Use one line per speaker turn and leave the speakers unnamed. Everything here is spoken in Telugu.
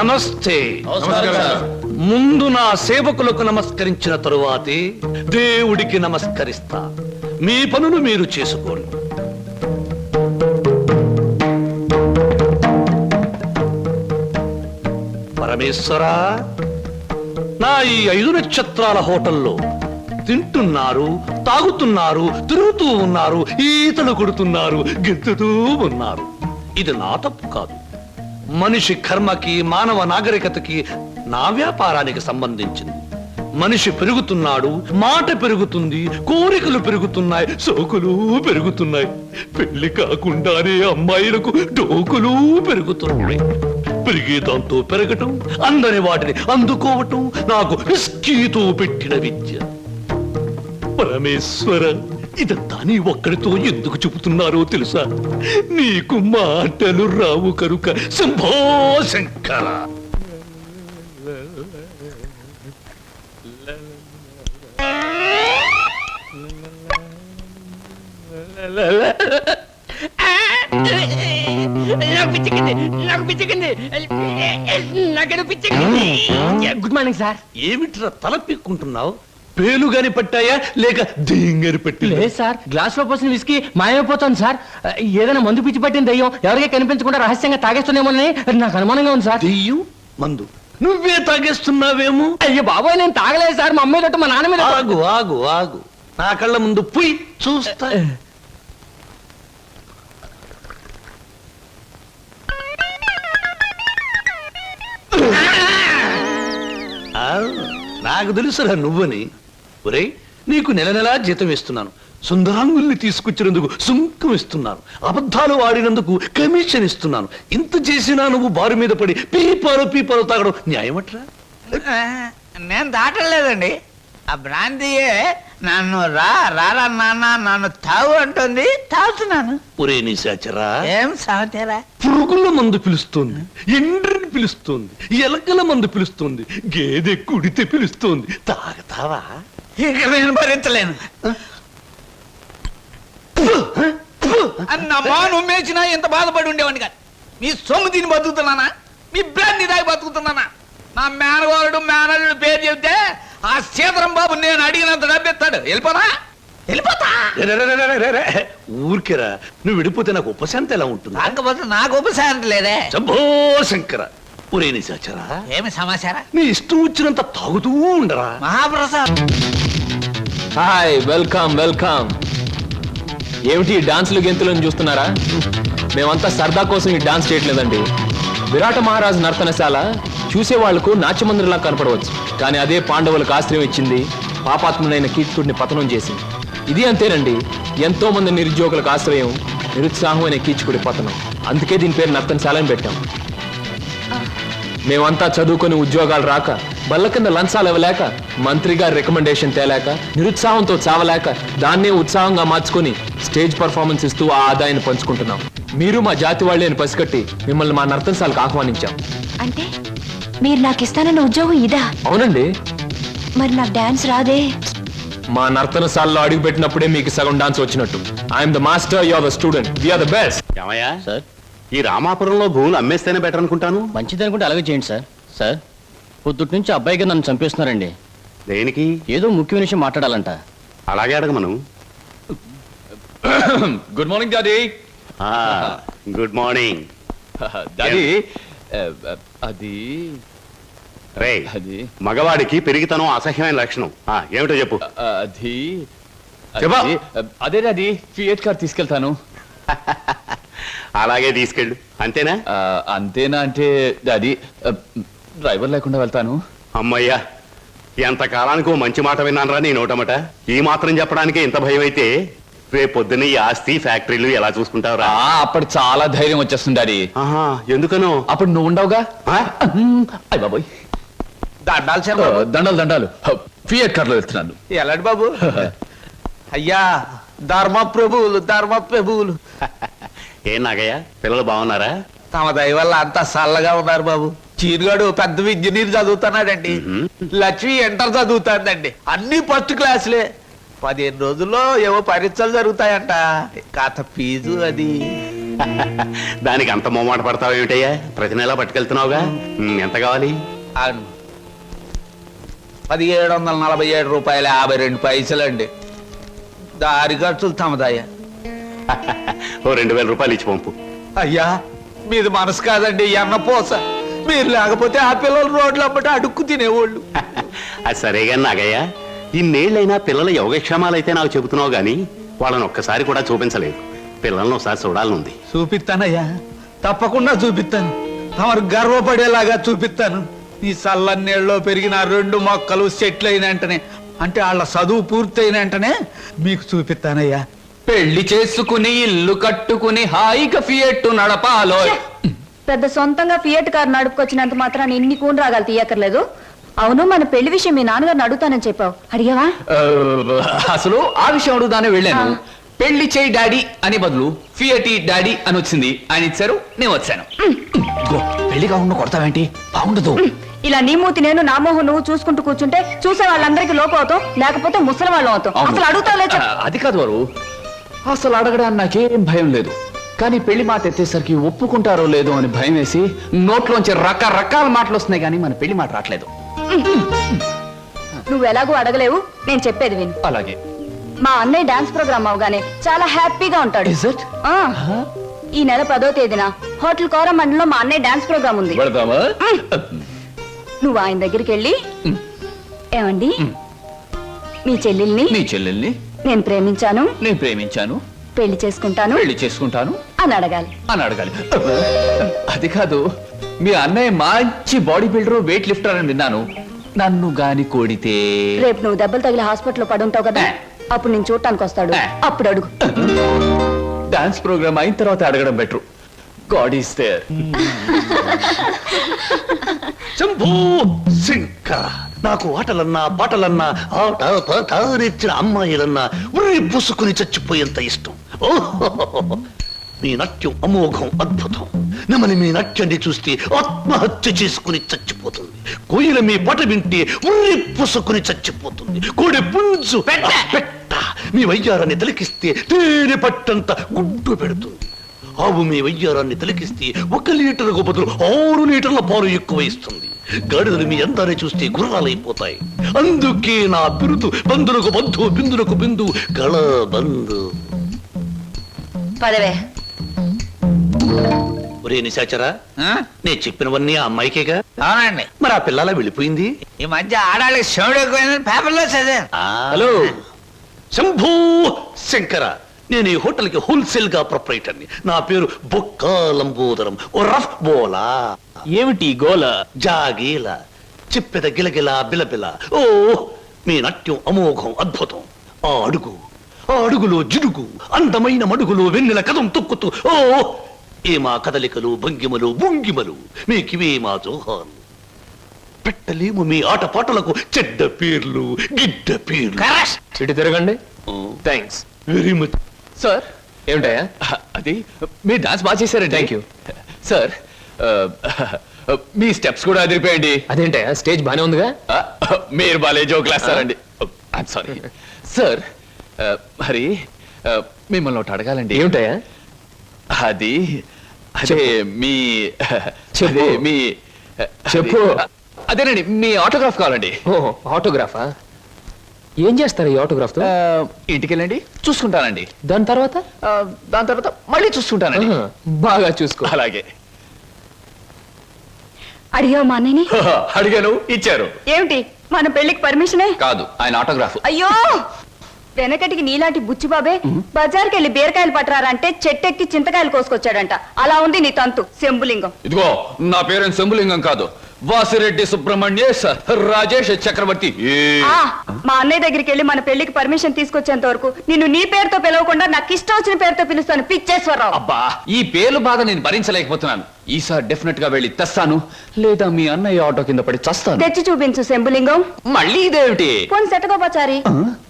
నమస్తే. ముందు నా సేవకులకు నమస్కరించిన తరువాతే దేవుడికి నమస్కరిస్తా. మీ పనులు మీరు చేసుకోండి. పరమేశ్వరా, నా ఈ 5 నక్షత్రాల హోటల్లో తింటున్నారు, తాగుతున్నారు, తిరుగుతూ ఉన్నారు, ఈతలు కొడుతున్నారు, గెంతుతూ ఉన్నారు. ఇది నా తప్పు కాదు. మనిషి కర్మకి, మానవ నాగరికతకి, నా వ్యాపారానికి సంబంధించింది. మనిషి పెరుగుతున్నాడు, మాట పెరుగుతుంది, కోరికలు పెరుగుతున్నాయి, సోకులు పెరుగుతున్నాయి. పెళ్లి కాకుండానే అమ్మాయిలకు డోకులు పెరుగుతున్నాయి. పెరిగే దాంతో పెరగటం, అందని వాటిని అందుకోవటం నాకు రిస్కీతో పెట్టిన విద్య. పరమేశ్వర, ఇదంతా నీ ఒక్కడితో ఎందుకు చెబుతున్నారో తెలుసా? నీకు మాటలు రావు కనుక. Shambho Shankara.
Good morning sir.
ఏమిట్రా తల పిక్కుంటున్నావు? పేలుగాని పట్టాయా లేక దెయ్యంగాని పట్టి?
లేదు సార్, గ్లాస్ లో పోసిన విస్కీ మాయమైపోతుంది సార్. ఏదైనా మందు పిచ్చి పట్టిన దయ్యం ఎవరికీ కనిపించకుండా రహస్యంగా తాగేస్తున్నామోనని నాకు అనుమానంగా ఉంది సార్.
దెయ్యం మందు నువ్వే తాగేస్తున్నావేమో?
అయ్యో బాబాయ్, నేను తాగలేదు సార్. మా అమ్మాయి మా నాన్న మీద.
ఆగు ఆగు ఆగు, నా కళ్ళ ముందు పుయ్ చూస్తా. నాకు తెలుసురా నువ్వని. ఒరేయ్, నీకు నెల నెలా జీతం ఇస్తున్నాను. సుందరాంగుల్ని తీసుకొచ్చినందుకు సుంకం ఇస్తున్నాను. అబద్ధాలు ఆడినందుకు కమిషన్ ఇస్తున్నాను. ఇంత చేసినా నువ్వు బారు మీద పడి పీపాలు తాగడం న్యాయమట్రా?
నేను దాటలేదండి. ఆ బ్రాంతియే నన్ను రారా నాన్న నన్ను తాగు అంటుంది, తాగుతున్నాను.
ఒరే నిశాచరా,
ఏం సాగుతారా?
పురుగుల మందు పిలుస్తోంది, ఎండ్రిని పిలుస్తోంది, ఎలకల మందు పిలుస్తోంది, గేదె కుడితే పిలుస్తోంది. తాగతావా?
ఇక నేను భరించలేను. అన్నమ్మా, నువ్వు మేచినా ఎంత బాధపడి ఉండేవాడిని కాదు. మీ సొమ్ము తిని బతుకుతున్నానా? మీ బ్రాంతి దాగి బతుకుతున్నానా? నా మేనగోరుడు మేనల్లుడు పేరు చెబితే ఆ సీతరం బాబు నేను అడిగినంత డబ్బిస్తాడు. వెళ్ళిపోతా.
ఊరికేరా, నువ్వు విడిపోతే నాకు ఉపశాంతి ఎలా ఉంటుంది?
కాకపోతే నాకు ఉపశాంతి లేదే.
శంభో శంకర. ఒరే నిశాచరా,
ఏమి సమాచారం?
నీ ఇష్టం వచ్చినంత తాగుతూ ఉండరా.
మహాప్రసాద్.
Hi, welcome welcome. ఏమిటి డాన్సులు గెంతులను చూస్తున్నారా? మేమంతా సరదా కోసం ఈ డాన్స్ చేయట్లేదండి. విరాట మహారాజు నర్తనశాల చూసే వాళ్లకు నాట్యమందిరంలా కనపడవచ్చు, కానీ అదే పాండవులకు ఆశ్రయం ఇచ్చింది, పాపాత్ముడైన కీచకుడిని పతనం చేసింది. ఇది అంతేనండి, ఎంతో మంది నిరుద్యోగులకు ఆశ్రయం, నిరుత్సాహమైన కీచకుడి పతనం. అందుకే దీని పేరు నర్తనశాల అని పెట్టాం. మేమంతా చదువుకొని ఉద్యోగాలు రాక, బల్ల కింద లంచాలు ఇవ్వలేక, మంత్రి గారి రికమెండేషన్ తేలేక, నిరుత్సాహంతో చావలేక, దాన్నే ఉత్సాహంగా మార్చుకొని స్టేజ్ పర్ఫార్మెన్స్ ఇస్తూ ఆ ఆదాయాన్ని పంచుకుంటున్నాం. మీరు మా జాతి వాళ్ళే అని పసిగట్టి మిమ్మల్ని మా నర్తనశాలకు ఆహ్వానించాం.
అంటే మీరు నాకు ఇస్తానన్న ఉద్యోగం ఇదా?
అవునండి.
మరి నాకు డాన్స్ రాదే?
మా నర్తనశాలలో అడుగు పెట్టినప్పుడే మీకు సగం డాన్స్ వచ్చినట్టు. I'm the master, you are the student, we are the best.
ఏమయ్యా సార్, ఈ రామాపురంలో భూములు అమ్మేస్తేనే బెటర్ అనుకుంటాను.
మంచిది అనుకుంటే అలాగే చేయండి సార్. సార్, పొద్దుటి నుంచి అబ్బాయిగా నన్ను చంపేస్తున్నారండి.
దేనికి?
ఏదో ముఖ్యమైన విషయం మాట్లాడాలంట.
అలాగే అడగమను.
Good morning daddy.
Good morning
daddy. అది
రే, మగవాడికి పెరిగితనం అసహ్యమైన లక్షణం. ఏమిటో చెప్పు.
అది
చెప్పా.
అదే డాడీ, ఫియట్ కార్ తీసుకెళ్తాను.
అలాగే తీసుకెళ్ళు. అంతేనా?
అంతేనా అంటే డాడీ, డ్రైవర్ లేకుండా వెళ్తాను.
అమ్మయ్యా, ఎంత కాలానికి ఓ మంచి మాట విన్నానరా నీ నోటమట. ఈ మాత్రం చెప్పడానికి ఇంత భయం అయితే రేపు పొద్దున్న ఈ ఆస్తి ఫ్యాక్టరీలు ఎలా చూసుకుంటావురా?
అప్పుడు చాలా ధైర్యం వచ్చేస్తుంది డాడీ.
ఎందుకనో?
అప్పుడు నువ్వు ఉండవుగా. అయ్య బాబోయ్, దండాలు దండాలు. ఫియట్ కార్లో వెళ్తున్నాను.
ఎలాంటి బాబు? అయ్యా, ధర్మ ప్రభువులు.
ఏం నాగయ్య, పిల్లలు బాగున్నారా?
తమ దయ వల్ల అంతా చల్లగా ఉన్నారు బాబు. చీరుగాడు పెద్ద ఇంజనీర్ చదువుతున్నాడండి. లక్ష్మి ఇంటర్ చదువుతాందండి. అన్ని ఫస్ట్ క్లాసులే. 15 రోజుల్లో ఏవో పరీక్షలు జరుగుతాయంట. కాత ఫీజు అది.
దానికి అంత మొమ్మాట పడతావు ఏమిటయ్యా? ప్రతి నెలా పట్టుకెళ్తున్నావుగా. ఎంత కావాలి?
అవును 1747 రూపాయల 52 పైసలండి. దారి ఖర్చులు తమదయ్యా.
ఓ 2000 రూపాయలు ఇచ్చి పంపు.
అయ్యా మీది మనసు కాదండి ఎన్నపోస. మీరు లేకపోతే ఆ పిల్లలు రోడ్లు అమ్మట అడుక్కు తినేవాళ్ళు.
అది సరేగా నాగయ్యా, ఇన్నేళ్ళైనా పిల్లల యోగక్షేమాలైతే నాకు చెబుతున్నావు గాని వాళ్ళని ఒక్కసారి కూడా చూపించలేదు. పిల్లల్ని ఒకసారి చూడాలనుంది.
చూపిస్తానయ్యా, తప్పకుండా చూపిస్తాను. తమరు గర్వపడేలాగా చూపిస్తాను. ఈ చల్లన్నీళ్ళలో పెరిగిన 2 మొక్కలు సెటిల్ అయిన వెంటనే, అంటే వాళ్ళ చదువు పూర్తయిన వెంటనే మీకు చూపిస్తానయ్యా.
పెళ్లి చేసుకుని ఇల్లు కట్టుకుని హాయిగా ఫియట్ నడపాలో.
పెద్ద సొంతంగా ఫియట్ కార్ నడుపుకొచ్చినంత మాత్రాన్ని ఇన్ని కూని రాగాలు తీయక్కర్లేదు. అవును, మన పెళ్లి విషయం మీ నాన్నగారిని అడుగుతానని చెప్పావు, అడిగావా?
అసలు ఆ విషయం అడుగుదానే వెళ్ళాను. పెళ్లి చేయి డాడీ అని బదులు ఫియటి డాడీ అని వచ్చింది. ఆయన ఇచ్చారు, నేను వచ్చాను. పెళ్లి కాకుండా కొడతావేంటి? బాగుండదు.
ఇలా నీ మూతి నేను నా మోహం నువ్వు చూసుకుంటూ కూర్చుంటే చూసే వాళ్ళందరికీ లోపం అవుతాం, లేకపోతే ముసలి వాళ్ళం అవుతాం. అసలు అడుగుతావులే చెప్పు.
అది కాదు వారు, అసలు అడగడానికి నాకేం భయం లేదు. కానీ పెళ్లి మాట ఎత్తేసరికి ఒప్పుకుంటారో లేదో అని భయం వేసి నోట్లోంచి రకరకాల మాటలు వస్తున్నాయి, కానీ మన పెళ్లి మాట రావట్లేదు.
నువ్వు ఎలాగూ అడగలేవు, నేను చెప్పేది విను.
అలాగే.
మా అన్నయ్య డాన్స్ ప్రోగ్రామ్ అవగానే చాలా హ్యాపీగా ఉంటాడు.
Is it?
ఆ, ఈ నెల 10వ తేదీన హోటల్ కోరమండలో మా అన్నయ్య డాన్స్ ప్రోగ్రామ్ ఉంది.
వెళదామా?
నువ్వు ఆయన దగ్గరికి వెళ్ళి, ఏమండి మీ చెల్లెల్ని
నీ చెల్లెల్ని
నేను ప్రేమించాను,
నేను ప్రేమించాను,
పెళ్లి చేసుకుంటాను
పెళ్లి చేసుకుంటాను
అని అడగాలి.
అని అడగాలి. అది కాదు, మీ అన్నయ్య మంచి బాడీ బిల్డర్, వెయిట్ లిఫ్టర్ అని విన్నాను. నన్ను గాని కోడితే
రేపు నువ్వు దెబ్బలు తగిలి హాస్పిటల్లో పడుంటావు కదా, అప్పుడు నేను చూడటానికి వస్తాడు, అప్పుడు అడుగు.
డాన్స్ ప్రోగ్రామ్ అయిన తర్వాత అడగడం better. God is there.
Shambhu Shankara, నాకు ఆటలన్నా పాటలన్నా ఆట పాట నేర్చిన అమ్మాయిలన్నా ఉర్రి పూసుకుని చచ్చిపోయేంత ఇష్టం. ఓహో, మీ నాట్యం అమోఘం, అద్భుతం. నమని మీ నాట్యాన్ని చూస్తే ఆత్మహత్య చేసుకుని చచ్చిపోతుంది. కోయిల మీ పాట వింటే ఉర్రి పూసుకుని చచ్చిపోతుంది. కోడి పుంజు పెట్ట మీ వయ్యారాన్ని తిలకిస్తే తేనె పట్టంత గుడ్డు పెడుతుంది. ఆవు మీ వయ్యారాన్ని తిలకిస్తే 1 లీటర్కు బదులు 6 లీటర్ల పాలు ఎక్కువ ఇస్తుంది. గాడిదలు మీ అందాన్ని చూస్తే గుర్రాలైపోతాయి. అందుకే నా బిరుదు బంధులకు బంధు, బిందులకు బిందు, గళ బంధు.
పదవే.
ఒరే నిశాచరా, నేను చెప్పినవన్నీ ఆ అమ్మాయికేగా?
అవునండి.
మరి ఆ పిల్లలా వెళ్ళిపోయింది.
ఈ మధ్య ఆడాళ్ళకి శివుడు ఎక్కువైందని పేపర్లో చదివాను.
హలో శంభూ శంకర, నేను ఈ హోటల్కి హోల్సేల్ గా ప్రొపరేటర్ని. నా పేరు బొక్కా లంబోదరం, ఓ రఫ్ బోలా.
ఏమిటి గోల?
జాగీల చిప్పెద గిలగిల బిలబిల. ఓ మీ నాట్యం అమోఘం, అద్భుతం. ఆ అడుగులో జిడుగు, అందమైన మడుగులో వెన్నెల కథం తొక్కుతూ. ఓ ఏ మా కదలికలు, భంగిమలు, భుంగిమలు, మీకివే మా జోహాలు. పెట్టలేము మీ ఆటపాటలకు చెడ్డ పేర్లు, గిడ్డ పేర్లు.
ఇటు తిరగండి. Thanks
very much
sir. ఏమిటయ్యా అది? మీరు డాన్స్ బాగా చేశారండి. Thank you sir. మీ స్టెప్స్ కూడా అదిరిపోయండి. అదేంటయ్యా, స్టేజ్ బానే ఉందిగా. మీరు బాలే జోక్ వేస్తారండి. I'm sorry sir. మరి మిమ్మల్ని ఒకటి అడగాలండి. ఏమిటయ్యా అది? అదే మీ అదే మీ చెప్పు. అదేనండి, మీ ఆటోగ్రాఫ్ కావాలండి. ఆటోగ్రాఫా? ఏం చేస్తారు ఈ ఆటోగ్రాఫ్ తో? ఇంటికి వెళ్ళండి, చూసుకుంటానండి. దాని తర్వాత మళ్ళీ చూసుకుంటానండి. బాగా చూసుకో. అలాగే.
అడిగావు మా అన్నయ్యని?
అడిగాను, ఇచ్చారు.
ఏమిటి, మన పెళ్లికి పర్మిషనే?
కాదు, ఆయన ఆటోగ్రాఫ్.
అయ్యో, వెనకటికి నీలాంటి బుచ్చిబాబే బజార్కి వెళ్ళి బీరకాయలు పట్టరారంటే చెట్టెక్కి చింతకాయలు కోసుకొచ్చాడంట. అలా ఉంది నీ తంతు శంభులింగం.
ఇదిగో, నా పేరు శంభులింగం కాదు, వాసిరెడ్డి సుబ్రహ్మణ్యేశ్ రాజేష్ చక్రవర్తి.
ఆ, మా అన్నయ్య దగ్గరికి వెళ్ళి మన పెళ్లికి పర్మిషన్ తీసుకొచ్చేంత వరకు నిన్ను నీ పేరుతో పిలవకుండా నాకు ఇష్టం వచ్చిన పేరుతో పిలుస్తాను, పిచ్చేశ్వరరావు.
అబ్బా, ఈ పేర్లు బాధ నేను భరించలేకపోతున్నాను. ఈసారి డెఫినెట్ గా వెళ్ళి తెస్తాను, లేదా మీ అన్నయ్య ఆటో కింద పడి చస్తాను.
తెచ్చి చూపించు శంభులింగం.
మళ్ళీ ఇదేమిటి?
పోనీ సెటగోపచారి,